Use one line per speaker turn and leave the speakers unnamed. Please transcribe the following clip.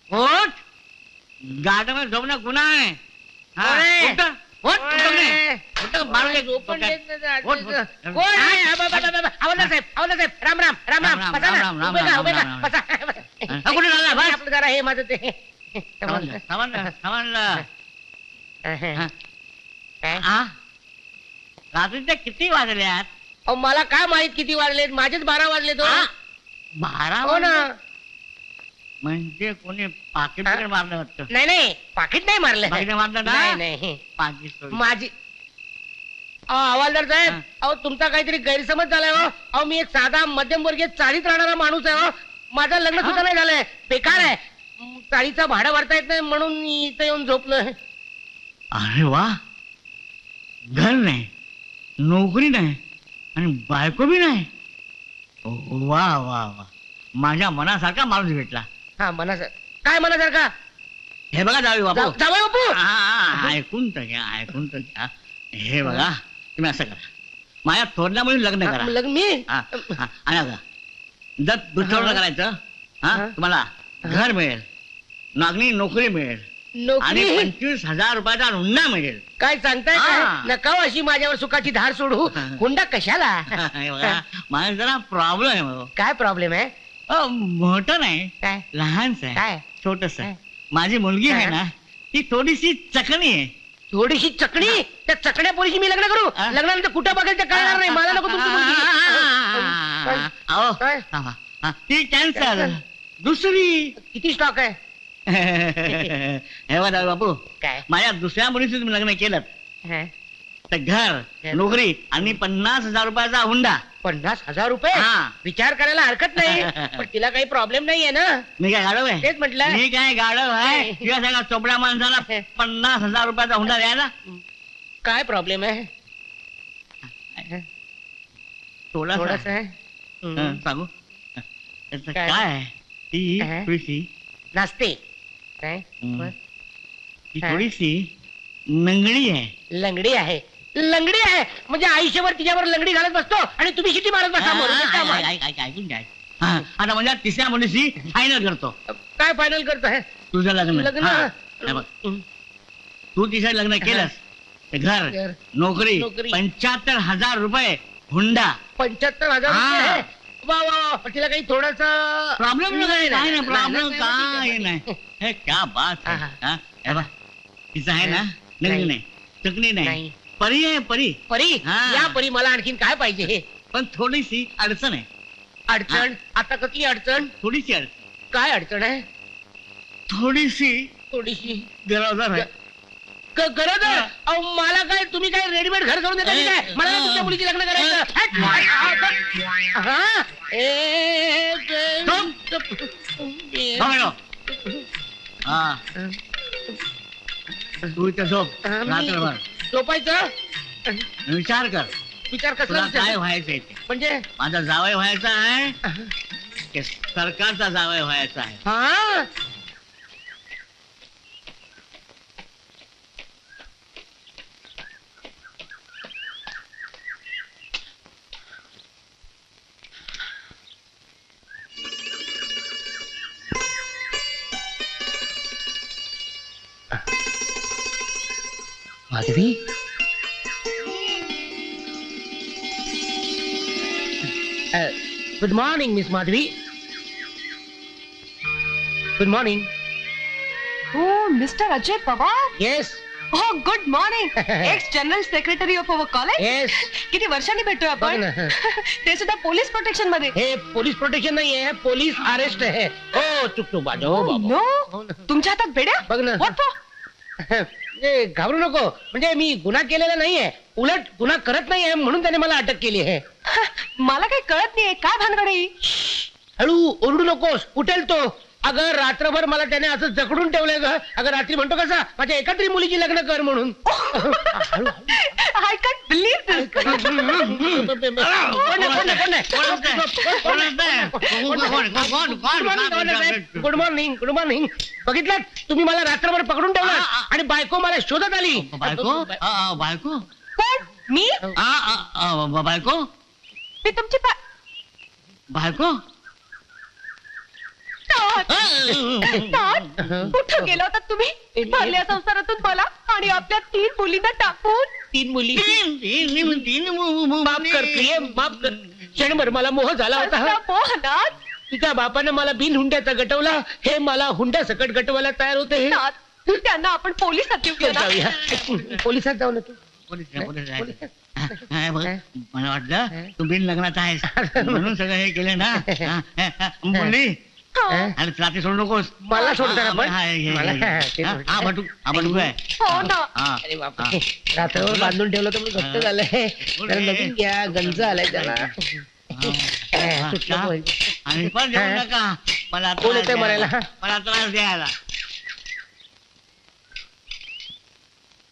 उठ. गार्डन झोपणं गुन्हा आहे. हा,
ओय.
उठ. उठ,
ओय.
उठ, मारू दे.
झोपून देत नाही
उठ,
ते.
उठ.
कोण आहे? आवडला साहेब, आवडला साहेब. राम राम राम राम.
राम,
बसा ना.
राम, राम,
उभे का, उभे
राम,
का?
राम,
बसा.
हा, कुठे चालला? बस.
आपलं जरा हे माझं ते
समजलं, समजलं, समजलं. हा.
काय?
आ? रात्रीचे किती वाजल्यात?
अहो, मला काय माहित किती वाजलेत? माझेच 12 वाजले तो.
आ? 12
हो ना.
म्हणजे कोणी पाकिट
हा?
मारलं वाटतं.
नाही नाही पाकिट नाही मारलं.
पाकिट मारलं ना?
नाही नाही
पाकिट सोडलं.
माझी हवालदार साहेब,
हा.
अहो तुमचा काहीतरी गैरसमज झालाय हो. अहो मी एक साधा मध्यमवर्गीय चाळीत राहणारा माणूस आहे हो. माझं लग्न सुद्धा नाही झालंय. बेकार आहे. चाळीचं भाडं भरता येत नाही म्हणून इथं येऊन झोपलोय.
अरे वा, घर नाही, नोकरी नाही आणि बायको बी नाही. वा वा वा, माझ्या मनासारखा माणूस भेटला.
हा मना काय मनासारखा?
हे बघा जावे बापू.
जावई बापू.
हा, ऐकून तर घ्या, ऐकून तर घ्या. हे बघा, तुम्ही असं करा, माझ्या थोरल्या मुली लग्न करा.
लग्न मी
हा, हा, आणि आता जर दुसरं लग्न करायचं, हा,
हा.
तुम्हाला घर मिळेल, नागणी नोकरी मिळेल आणि
नोकरी
25,000 रुपयाचा हुंडा मिळेल.
काय सांगताय
हा.
काय? नका हो अशी माझ्यावर सुखाची धार सोडू. हुंडा कशाला?
हे बघा, माझा जरा प्रॉब्लेम आहे भाऊ.
काय प्रॉब्लेम आहे?
मोठं नाही,
काय
लहानच आहे,
काय?
छोटस.
काय?
माझी मुलगी आहे
हा.
ना, ती थोडीशी चकणी आहे.
थोडीशी चकणी? त्या चकण्या पोरीशी मी लग्न करू?
हा?
लग्नानंतर कुठं बघेल ते कळणार नाही. मला नको तुमची मुलगी.
अहो,
काय?
थांबा. हा, ती कॅन्सल.
Cancel.
दुसरी.
किती स्टॉक आहे?
हे बघा बापू,
काय?
माझ्या दुसऱ्या मुलीशी तुम्ही लग्न केलं
हा?
तर घर, नोकरी आणि 50,000 रुपयाचा हुंडा.
50,000 रुपये?
हा.
विचार करायला हरकत नाही. पण तिला काही प्रॉब्लेम नाहीये ना?
मी काय गाडव आहे?
तेच म्हटलं.
मी काय गाडव आहे?
नाही.
तुझ्या सगळ्या चोपड्या माणसाला 50,000 रुपयाचा हुंडा द्यायला?
काय प्रॉब्लेम आहे?
थोडासा.
थोडस आहे.
सांगू त्याचं
काय?
काय आहे? ती
हा?
थोडीशी
नाचते काय?
हम्म. ती
हा?
थोडीशी नंगडी आहे.
लंगडी आहे. लंगडी आहे म्हणजे आयुष्यभर तिच्यावर लंगडी घालत बसतो आणि तुम्ही शिटी मारत बसा. मरून दे, काय मार-
ऐकून घ्या. हा, आता म्हणजे तिसऱ्या मुलीशी फायनल करतो
काय फायनल करतोय?
तुझं लग्न.
लग्न?
हा, हे बघ, तू तिच्या लग्न केलंस ते घर,
घर,
नोकरी,
नोकरी.
75,000 रुपये हुंडा.
75,000
हा.
रुपये? वा वा वा. पण तिला काही थोडस
प्रॉब्लेम नाही, काय नाही, प्रॉब्लेम
नाही,
काय नाही. हे क्या बात आहे.
हा,
हा, हे बघ, तिचं आहे ना, नंगडी नाही, चकणी नाही,
नाही.
परी आहे, परी.
परी
हा.
या परी मला आणखीन काय पाहिजे?
पण थोडीशी अडचण आहे.
अडचण? आता कसली अडचण?
थोडीशी अडचण,
काय अडचण आहे?
थोडीशी
थोडीशी
गरज आहे.
गरज आहे? अहो, मला काय तुम्ही काय रेडीमेड घर करून देता की काय? मला काय तुमच्या मुलीची लग्न करायचं? हट! हा?
बघ, हा, तू इथं झोप रात्रभर,
झोपायचं?
विचार कर
विचार कसला
तुला काय
विचार?
व्हायचंय ते.
म्हणजे
माझा जावई व्हायचा आहे की सरकारचा जावई व्हायचा आहे?
हा? Madhavi, good morning miss Madhavi. Good morning.
Oh, Mr. Ajay Pawar.
Yes
Oh, good morning. Ex General Secretary of our college.
Yes.
किती वर्षांनी भेटतोय
बघ
आपण?
ना.
ते सुद्धा पोलीस प्रोटेक्शन मध्ये.
हे पोलीस प्रोटेक्शन नाही आहे, पोलीस अरेस्ट आहे. हो चुकतो बाजू. हो बाबा. हो
नो,
ना.
तुमच्या हातात बेड्या?
बघ ना.
What for?
म्हणजे घाबरू नको. म्हणजे मी गुन्हा केलेला नाहीये, उलट गुन्हा करत नाहीये म्हणून त्याने मला अटक केली आहे.
मला काही कळत नाहीये काय भानगड आहे ही?
हळू ओरडू नकोस, उठेल तो. अगं रात्रभर मला त्याने असं जकडून ठेवलंय ग. अगं रात्री म्हणतो कसा माझ्या एका तरी मुलीची लग्न कर म्हणून.
I can't believe this.
कोण आहे, कोण आहे, कोण आहे? Good morning, good morning. बघितलं तुम्ही मला रात्रभर पकडून ठेवलं आणि बायको मला शोधत आली.
बायको? बायको?
कोण? मी?
बायको?
मी तुमची
बायको?
Not. कुठं गेला होता तुम्ही भरल्या संसारातून मला आणि आपल्या 3 मुलींना टाकून?
3 मुली
तीन
माफ कर प्रिय, माफ कर. क्षणभर मला मोह झाला होता.
कसला मोहनाथ.
तुझ्या बापानं मला बिन हुंड्याचा गटवला, हे मला हुंड्या सकट गटवायला तयार होते.
नाथ, त्यांना आपण पोलिसात देऊया ना.
जाऊया पोलिसात जाऊ ना तू.
मला वाटलं तू बिन लग्नाचा आहेस म्हणून सगळं हे केलं ना. मुली
हा.
आणि रात्री सोडू नकोस.
मला सोडताना पण?
हा बटू आहे.
हो ना.
अरे बापरे, रात्रभर बांधून ठेवलं तर मी घट्ट झालंय. जरा नवीन घ्या, गंज आलाय त्याला.
आणि पण देऊ नका मला
कोण येतंय मरायला?
मला त्रास द्यायला.